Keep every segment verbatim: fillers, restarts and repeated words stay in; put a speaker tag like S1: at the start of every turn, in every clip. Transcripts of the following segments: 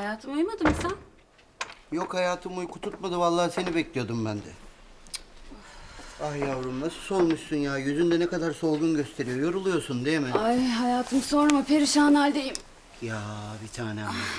S1: Hayatım uyumadın mı sen?
S2: Yok hayatım, uyku tutmadı. Vallahi seni bekliyordum ben de. Ah yavrum, nasıl solmuşsun ya? Yüzünde ne kadar solgun gösteriyor. Yoruluyorsun değil mi?
S1: Ay hayatım sorma, perişan haldeyim.
S2: Ya bir tanem benim ya.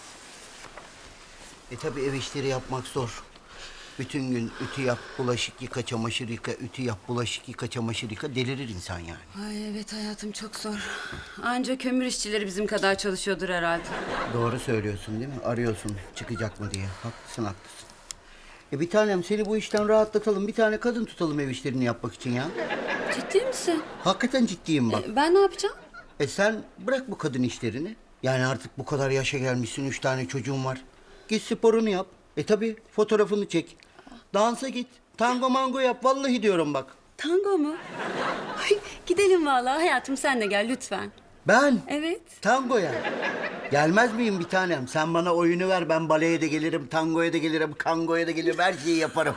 S2: E tabi ev işleri yapmak zor. Bütün gün ütü yap, bulaşık yıka, çamaşır yıka, ütü yap, bulaşık yıka, çamaşır yıka. Delirir insan yani.
S1: Ay evet hayatım, çok zor. Anca kömür işçileri bizim kadar çalışıyordur herhalde.
S2: Doğru söylüyorsun değil mi? Arıyorsun çıkacak mı diye. Haklısın haklısın. E bir tanem, seni bu işten rahatlatalım. Bir tane kadın tutalım ev işlerini yapmak için ya.
S1: Ciddi misin?
S2: Hakikaten ciddiyim bak.
S1: E, ben ne yapacağım?
S2: E sen bırak bu kadın işlerini. Yani artık bu kadar yaşa gelmişsin, üç tane çocuğun var. Git sporunu yap. E tabi fotoğrafını çek. Dansa git. Tango mango yap. Vallahi diyorum bak.
S1: Tango mu? Ay, gidelim vallahi hayatım, sen de gel lütfen.
S2: Ben?
S1: Evet.
S2: Tangoya. Gelmez miyim bir tanem? Sen bana oyunu ver. Ben baleye de gelirim, tangoya da gelirim, kangoya da gelirim. Her şeyi yaparım.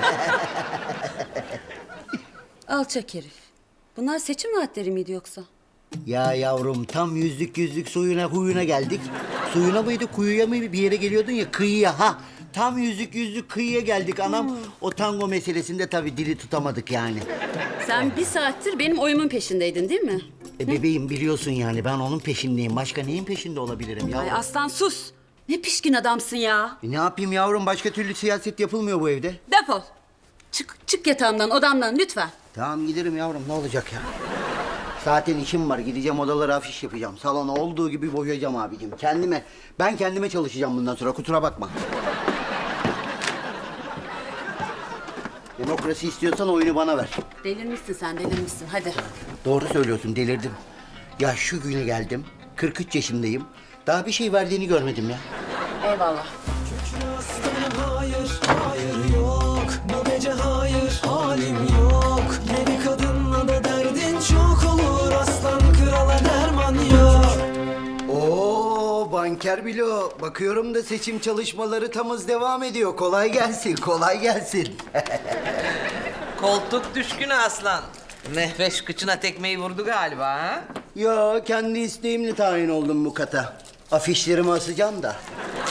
S1: Alçak herif. Bunlar seçim vaatleri miydi yoksa?
S2: Ya yavrum, tam yüzlük yüzlük suyuna huyuna geldik. Suyuna mıydı, kuyuya mı bir yere geliyordun ya, kıyıya ha. Tam yüzlük yüzlük kıyıya geldik anam. O tango meselesinde tabii dili tutamadık yani.
S1: Sen bir saattir benim oyumun peşindeydin değil mi?
S2: E bebeğim, biliyorsun yani ben onun peşindeyim. Başka neyin peşinde olabilirim yavrum?
S1: Ay aslan sus. Ne pişkin adamsın ya.
S2: E ne yapayım yavrum, başka türlü siyaset yapılmıyor bu evde.
S1: Defol. Çık, çık yatağımdan, odamdan lütfen.
S2: Tamam giderim yavrum, ne olacak ya? Zaten işim var, gideceğim odalara afiş yapacağım. Salonu olduğu gibi boyayacağım abicim. Kendime, ben kendime çalışacağım bundan sonra, kusura bakma. Demokrasi istiyorsan oyunu bana ver.
S1: Delirmişsin sen, delirmişsin. Hadi.
S2: Doğru söylüyorsun, delirdim. Ya şu güne geldim, kırk üç yaşındayım. Daha bir şey verdiğini görmedim ya.
S1: Eyvallah.
S3: Hayır, hayır yok. Bu gece hayır, halim yok. Yeni kadınla da derdin çok olur. Aslan krala derman yok.
S2: Oo banker Bilo, bakıyorum da seçim çalışmaları tam hız devam ediyor. Kolay gelsin, kolay gelsin.
S4: Koltuk düşkünü aslan. Mehveş kıçına tekmeyi vurdu galiba ha?
S2: Ya kendi isteğimle tayin oldum bu kata. Afişlerimi asacağım da.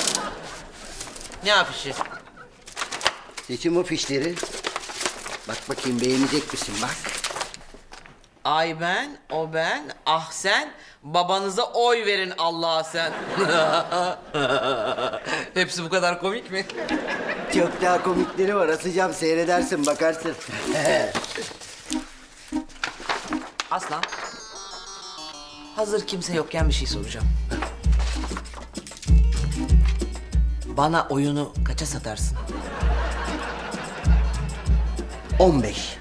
S4: Ne afişi?
S2: Seçim afişleri. Bak bakayım, beğenecek misin bak.
S4: Ay ben, o ben, ah sen, babanıza oy verin Allah'a sen. Hepsi bu kadar komik mi?
S2: Çok daha komikleri var, asacağım, seyredersin, bakarsın.
S4: Aslan, hazır kimse yokken bir şey soracağım. Bana oyunu kaça satarsın?
S2: on beş.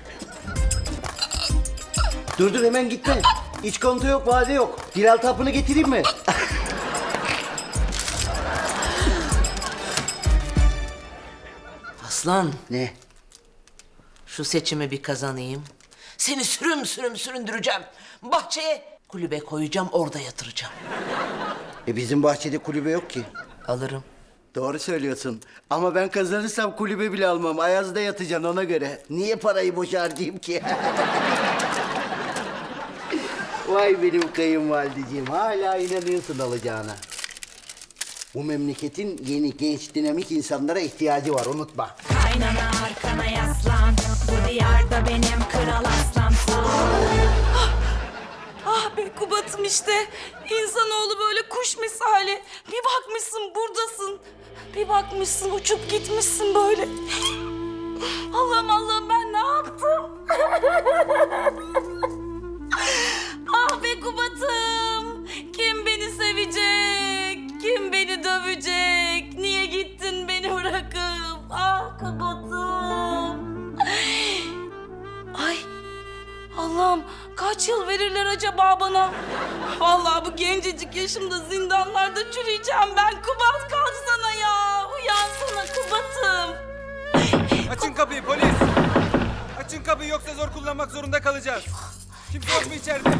S2: Dur dur, hemen gitme. İç kontu yok, vade yok. Dilal tapını getireyim mi?
S4: Aslan,
S2: Ne?
S4: şu seçimi bir kazanayım. Seni sürüm sürüm süründüreceğim. Bahçeye kulübe koyacağım, orada yatıracağım.
S2: E bizim bahçede kulübe yok ki.
S4: Alırım.
S2: Doğru söylüyorsun. Ama ben kazanırsam kulübe bile almam. Ayaz'da yatacaksın ona göre. Niye parayı boşa harcayayım ki? Vay benim kayınvalideciğim. Hala inanıyorsun alacağına. Bu memleketin yeni, genç, dinamik insanlara ihtiyacı var. Unutma.
S5: Kaynana arkana yaslan. Bu diyarda benim kral aslan.
S6: Ah be Kubat'ım işte. İnsanoğlu böyle kuş misali. Bir bakmışsın buradasın. Bir bakmışsın uçup gitmişsin böyle. Allah'ım Allah'ım, ben ne yaptım? Ah be Kubat'ım. Kim beni sevecek? Kim beni dövecek? Niye gittin beni bırakıp? Ah Kubat'ım. Ay Allah'ım, kaç yıl verirler acaba bana? Vallahi bu gencecik yaşımda zindanlarda çürüyeceğim ben. Kubat kalksana ya. Uyansana Kubat'ım.
S7: Açın kapıyı polis! Açın kapıyı, yoksa zor kullanmak zorunda kalacağız. Kimse yok mu içeride?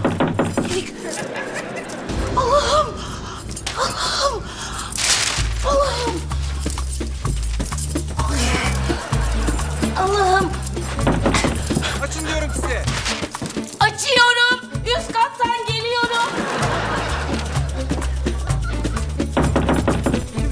S6: Allah'ım. Allah'ım. Allah'ım. Allah'ım.
S7: Açın diyorum size.
S6: Açıyorum. Üst kattan geliyorum.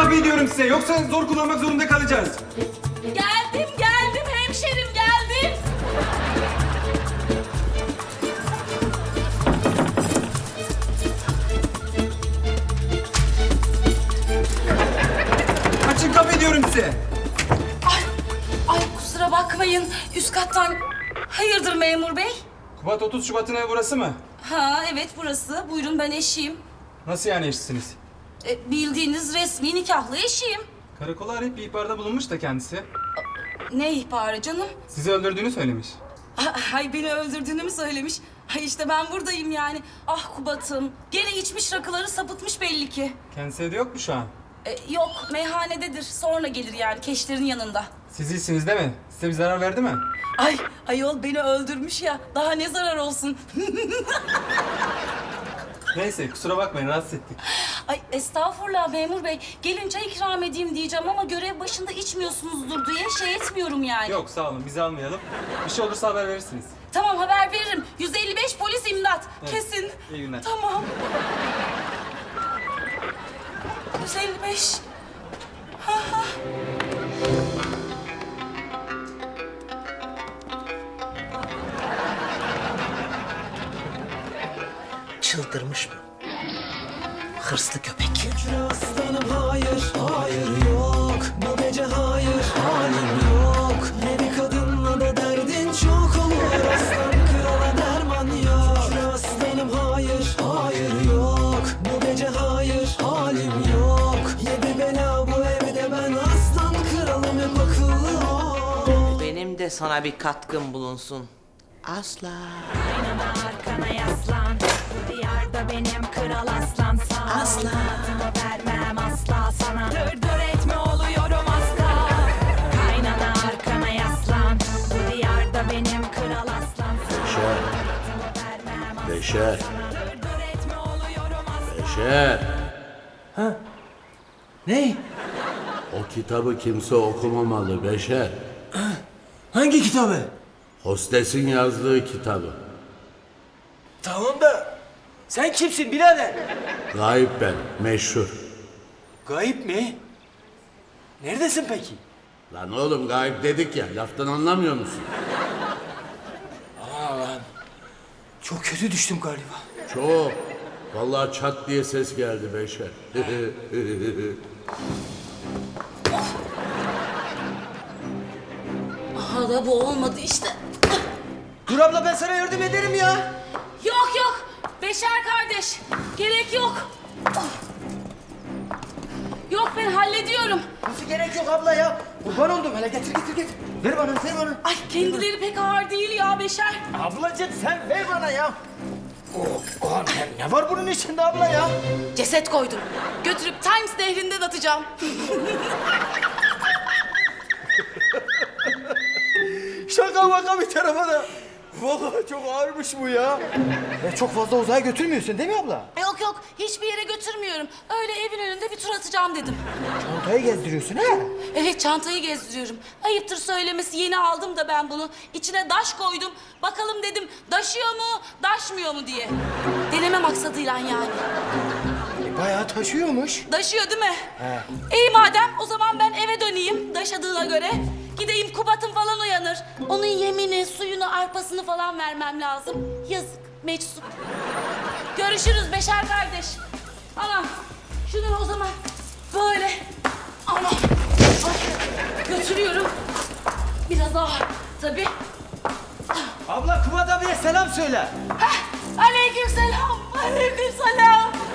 S7: kapıyı diyorum size yoksa zor kullanmak zorunda kalacağız.
S6: Geldim geldim hemşerim geldim.
S7: Açın kapıyı diyorum size.
S6: Ay, ay kusura bakmayın üst kattan. Hayırdır memur bey?
S7: Kubat otuz Şubat'ın evi burası mı?
S6: Ha evet burası. Buyurun ben eşiyim.
S7: Nasıl yani eşsiniz?
S6: E, bildiğiniz resmi nikahlı eşiyim.
S7: Karakola arayıp bir ihbarda bulunmuş da kendisi.
S6: Ne ihbarı canım?
S7: Sizi öldürdüğünü söylemiş.
S6: Ay beni öldürdüğünü mü söylemiş? Ay işte ben buradayım yani. Ah Kubat'ım. Gene içmiş rakıları sapıtmış belli ki.
S7: Kendisi evde yok mu şu an?
S6: E, yok meyhanededir. Sonra gelir yani keşlerin yanında.
S7: Siz iyisiniz değil mi? Size bir zarar verdi mi?
S6: Ay ayol beni öldürmüş ya. Daha ne zarar olsun.
S7: Neyse kusura bakmayın rahatsız ettik.
S6: Ay estağfurullah memur bey. Gelin çay ikram edeyim diyeceğim ama görev başında içmiyorsunuzdur diye şey etmiyorum yani.
S7: Yok sağ olun bizi almayalım. Bir şey olursa haber verirsiniz.
S6: Tamam haber veririm. yüz elli beş polis imdat.
S7: Evet,
S6: Kesin.
S7: iyi günler.
S6: Tamam. yüz elli beş. Ha ha.
S4: Çıldırmış mı? Hırslı köpek.
S3: Kükre aslanım hayır, hayır yok. Bu gece hayır, halim yok. Yeni kadınla da derdin çok olur. Aslan krala derman yok. Kükre aslanım hayır, hayır yok. Bu gece hayır, halim yok. Yedi bela bu evde ben aslan kralım hep akıllı ol.
S4: Benim de sana bir katkım bulunsun. Asla.
S5: Aynana arkana yaslan. Bu diyarda benim kral aslan. Sağ
S4: Asla.
S5: olmadığımı vermem asla sana. Dır dır etme oluyorum asla. Kaynana arkana yaslan. Bu diyarda benim kral aslan. Sağ olmadığımı vermem asla
S8: Beşer,
S5: sana. Dır dır etme oluyorum asla.
S8: Beşer.
S9: Ne?
S8: O kitabı kimse okumamalı Beşer.
S9: Hangi kitabı?
S8: Hostesin yazdığı kitabı.
S9: Tamam da sen kimsin birader?
S8: Gayip ben, meşhur.
S9: Gayip mi? Neredesin peki?
S8: Lan oğlum gayip dedik ya, laftan anlamıyor musun?
S9: Aa lan. Çok kötü düştüm galiba.
S8: Çok. Vallahi çat diye ses geldi Beşer.
S6: Aha da bu olmadı işte.
S9: Dur abla ben sana yardım ederim ya.
S6: Yok yok. Beşer kardeş. Gerek yok. Yok ben hallediyorum.
S9: Nasıl gerek yok abla ya? Kurban oldum hele getir getir getir. Ver bana ver bana.
S6: Ay kendileri pek ağır değil ya Beşer.
S9: Ablacığım sen ver bana ya. Oh, oh, ne, ne var bunun içinde abla ya?
S6: Ceset koydum. Götürüp Times nehrinden atacağım.
S9: Şaka maka bir tarafa da. Vallahi çok ağırmış bu ya. Ya çok fazla uzağa götürmüyorsun değil mi abla?
S6: Yok yok hiçbir yere götürmüyorum. Öyle evin önünde bir tur atacağım dedim.
S9: Çantayı gezdiriyorsun ha?
S6: Evet çantayı gezdiriyorum. Ayıptır söylemesi yeni aldım da ben bunu. İçine daş koydum. Bakalım dedim daşıyor mu daşmıyor mu diye. Deneme maksadıyla yani.
S9: E, bayağı taşıyormuş.
S6: Daşıyor değil mi? He. İyi madem o zaman ben eve döneyim daşadığına göre. Gideyim Kubat'ım falan uyanır. Onun yemini, suyunu, arpasını falan vermem lazım. Yazık, meczup. Görüşürüz Beşer kardeş. Anam, şunu o zaman böyle. Anam, ay, götürüyorum. Biraz ağır tabii.
S9: Abla Kubat abiye selam söyle.
S6: Heh, aleyküm selam, aleyküm selam.